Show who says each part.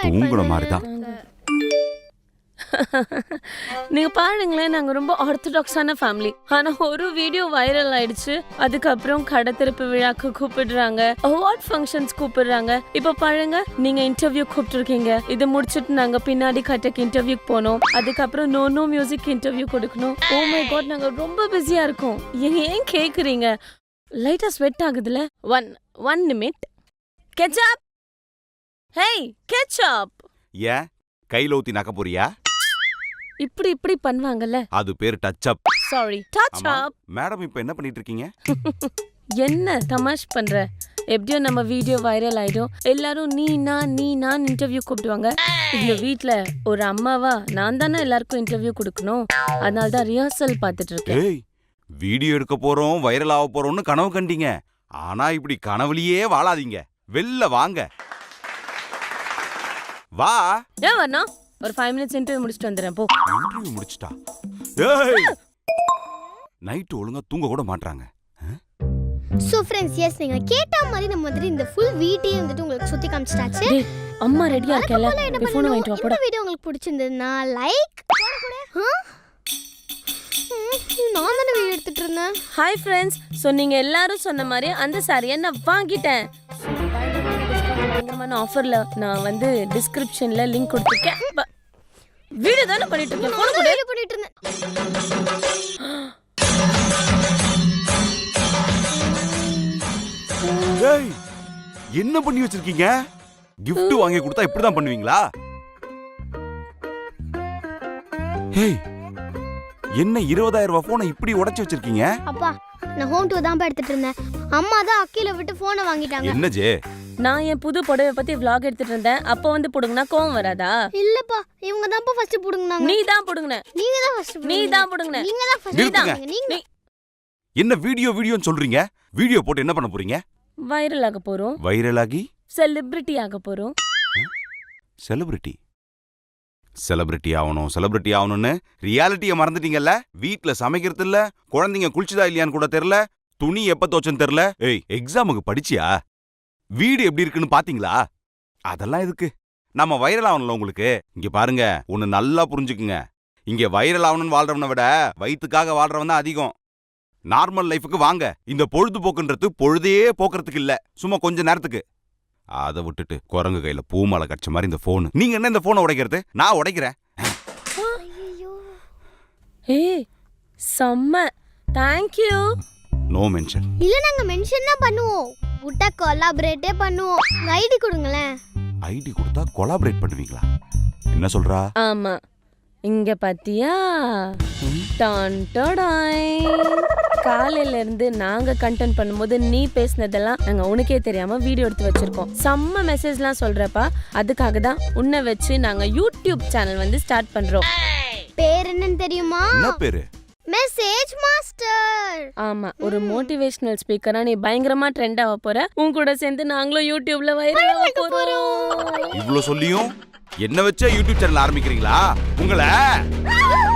Speaker 1: தூங்குற மாதிரி தான்.
Speaker 2: நீங்க பாருங்களேன், நாங்க ரொம்ப ஆர்த்தடாக்ஸான ஃபேமிலி. ஆனா ஒரு வீடியோ வைரல் ஆயிடுச்சு. அதுக்கப்புறம் கடை திறப்பு விழாக்கு கூப்பிடுறாங்க, அவார்ட் ஃபங்க்ஷன்ஸ் கூப்பிடுறாங்க. இப்ப பாருங்க, நீங்க இன்டர்வியூ கூப்பிட்டுருக்கீங்க. இது முடிச்சிட்டு நாங்க பின்னாடி கட்டக்கு இன்டர்வியூக்கு போனோம். அதுக்கப்புறம் நோ மியூசிக் இன்டர்வியூ கொடுக்கணும். ஓ மை காட், நாங்க ரொம்ப பிஸியா இருக்கோம். ஏன் கேக்குறீங்க? லைட்டா ஸ்வெட் ஆகுதுல. One minute. Get up, hey get up.
Speaker 1: ஏன் கையில ஊத்தி நக்க போறியா?
Speaker 2: இப்படி பண்ணுவாங்கல்ல,
Speaker 1: அது பேர் touch up.
Speaker 2: Sorry, touch up.
Speaker 1: Madam இப்போ என்ன பண்ணிட்டு இருக்கீங்க?
Speaker 2: என்ன தமாஷ் பண்ற? எப்படியோ நம்ம வீடியோ வைரல் ஆயிடும். எல்லாரும் நீ நான் இன்டர்வியூ கூப்பிடுவாங்க. இந்த வீட்ல ஒரு அம்மாவா நான் தானே எல்லாருக்கும் இன்டர்வியூ கொடுக்கணும். அதனால தான் ரிஹர்சல் பார்த்துட்டு இருக்கேன்.
Speaker 1: ஏய், வீடியோ எடுக்க போறோம், வைரல் ஆக போறோம்னு கனவு கண்டீங்க. ஆனா இப்படி கனவுலயே வாழாதீங்க. வெளில வாங்க. வா.
Speaker 2: ஏன் வரணும்? ஒரு 5 minutes இன்டர்வியூ முடிச்சிட்டு வந்துறேன் போ.
Speaker 1: இன்டர்வியூ முடிச்சிட்டா? ஏய், நைட் ஒழுங்கா தூங்க கூட மாட்றாங்க.
Speaker 3: சோ ஃப்ரெண்ட்ஸ், எஸ் நீங்க கேட்ட மாதிரி நம்ம வந்து இந்த ஃபுல் வீடியோ வந்துட்டு உங்களுக்கு சுத்தி காமிச்சிட்டாச்சு.
Speaker 2: டேய், அம்மா ரெடியா இருக்கல?
Speaker 3: இந்த
Speaker 2: ஃபோன் வாங்கிட்டு வா போடா.
Speaker 3: இந்த வீடியோ உங்களுக்கு பிடிச்சிருந்ததுன்னா லைக் நான் தானே வீடியோ எடுத்துட்டு இருந்தேன்.
Speaker 2: ஹாய் ஃப்ரெண்ட்ஸ், ஸோ நீங்க எல்லாரும் சொன்ன மாதிரி அந்த சாரியை நான் வாங்கிட்டேன். பயங்கரமான ஆஃபர்ல நான் வந்து டிஸ்கிரிப்ஷன்ல லிங்க் கொடுத்துருக்கேன். வீடியோ தானே பண்ணிட்டு இருக்கேன். போன் கூட
Speaker 3: வீடியோ பண்ணிட்டு இருந்தேன்.
Speaker 1: ஏய், என்ன பண்ணி வச்சிருக்கீங்க? gift வாங்கி கொடுத்தா இப்படி தான் பண்ணுவீங்களா? ஏய், என்ன 20,000 ரூபாய் போனை இப்படி உடைச்சு வச்சிருக்கீங்க?
Speaker 3: அப்பா, நான் ஹோம் டூர் தான் எடுத்துட்டு இருந்தேன். அம்மா தான் அக்கில விட்டு போனை வாங்கிட்டாங்க.
Speaker 1: என்ன ஜே?
Speaker 2: நான் என் புது புடவை பத்தி vlog எடுத்துட்டு இருந்தேன். அப்ப வந்து புடுங்கனா கோவம் வராதா?
Speaker 3: இல்லப்பா, இவங்க தான் ஃபர்ஸ்ட் புடுங்கனாங்க.
Speaker 2: நீ தான் புடுங்கன.
Speaker 3: நீங்க தான் ஃபர்ஸ்ட்.
Speaker 2: நீ தான் புடுங்கன.
Speaker 3: நீங்க தான் ஃபர்ஸ்ட்.
Speaker 1: நிறுத்துங்க.
Speaker 3: நீங்க
Speaker 1: என்ன வீடியோன்னு சொல்றீங்க? வீடியோ போட்டு என்ன பண்ண போறீங்க?
Speaker 2: வைரல் ஆக போறோம்.
Speaker 1: வைரல் ஆகி
Speaker 2: செலிபிரிட்டி ஆக போறோம்.
Speaker 1: செலிபிரிட்டி ஆகணும்னு ரியாலிட்டியை மறந்துட்டீங்கல்ல? வீட்ல சமைக்கிறது இல்ல, குழந்தைங்க குளிச்சுதா இல்லையான்னு கூட தெரியல, துணி எப்ப தோச்சன்னு தெரியல. ஏய், எக்ஸாமுக்கு படிச்சியா? வீடு எப்படி இருக்குன்னு பாத்தீங்களா? அதெல்லாம் எதுக்கு? நம்ம வைரல் ஆகணும்ல உங்களுக்கு. இங்க பாருங்க, ஒன்னு நல்லா புரிஞ்சுக்குங்க. இங்க வைரல் ஆகணும்னு வாழ்றவனை விட வயிற்றுக்காக வாழ்றவன் தான் அதிகம். நார்மல் லைஃபுக்கு வாங்க. இந்த பொழுதுபோக்குன்றது பொழுதே போக்குறதுக்கு இல்ல, சும்மா கொஞ்ச நேரத்துக்கு. அதை விட்டுட்டு குரங்கு கையில பூமாலை கட்ச மாதிரி இந்த போன். நீங்க என்ன இந்த போனை உடைக்கிறது? நான் உடைக்கிறேன்.
Speaker 2: ஏய், செம்ம. Thank you.
Speaker 1: No mention.
Speaker 3: இல்ல, நாங்க மென்ஷன் தான் பண்ணுவோம். உட்ட கொலாபரேட்டே பண்ணுவோம். ஐடி கொடுங்களேன்.
Speaker 1: ஐடி கொடுத்தா கொலாபரேட் பண்ணுவீங்களா? என்ன சொல்றா?
Speaker 2: ஆமா, இங்க பாத்தியா? டான் டடாய். காலையில இருந்து நாங்க கண்டென்ட் பண்ணும்போது நீ பேசினதெல்லாம் நாங்க உனக்கே தெரியாம வீடியோ எடுத்து வச்சிருக்கோம். செம்ம மெசேஜ்லாம் சொல்றப்பா. அதுக்காக தான் உன்னை வச்சு நாங்க யூடியூப் சேனல் வந்து ஸ்டார்ட் பண்றோம்.
Speaker 3: பேர் என்னன்னு தெரியுமா?
Speaker 1: என்ன பேரு?
Speaker 3: Message master.
Speaker 2: ஆமா, ஒரு மோட்டிவேஷனல் ஸ்பீக்கரா நீ பயங்கரமா ட்ரெண்ட் ஆக போற. உன் கூட சேர்ந்து நாங்களும் யூடியூப்ல வைரல் ஆக போறோம்.
Speaker 1: இவ்ளோ சொல்லியும் என்ன வச்சே யூடியூப் சேனல் ஆரம்பிக்கிறீங்களா? உங்களை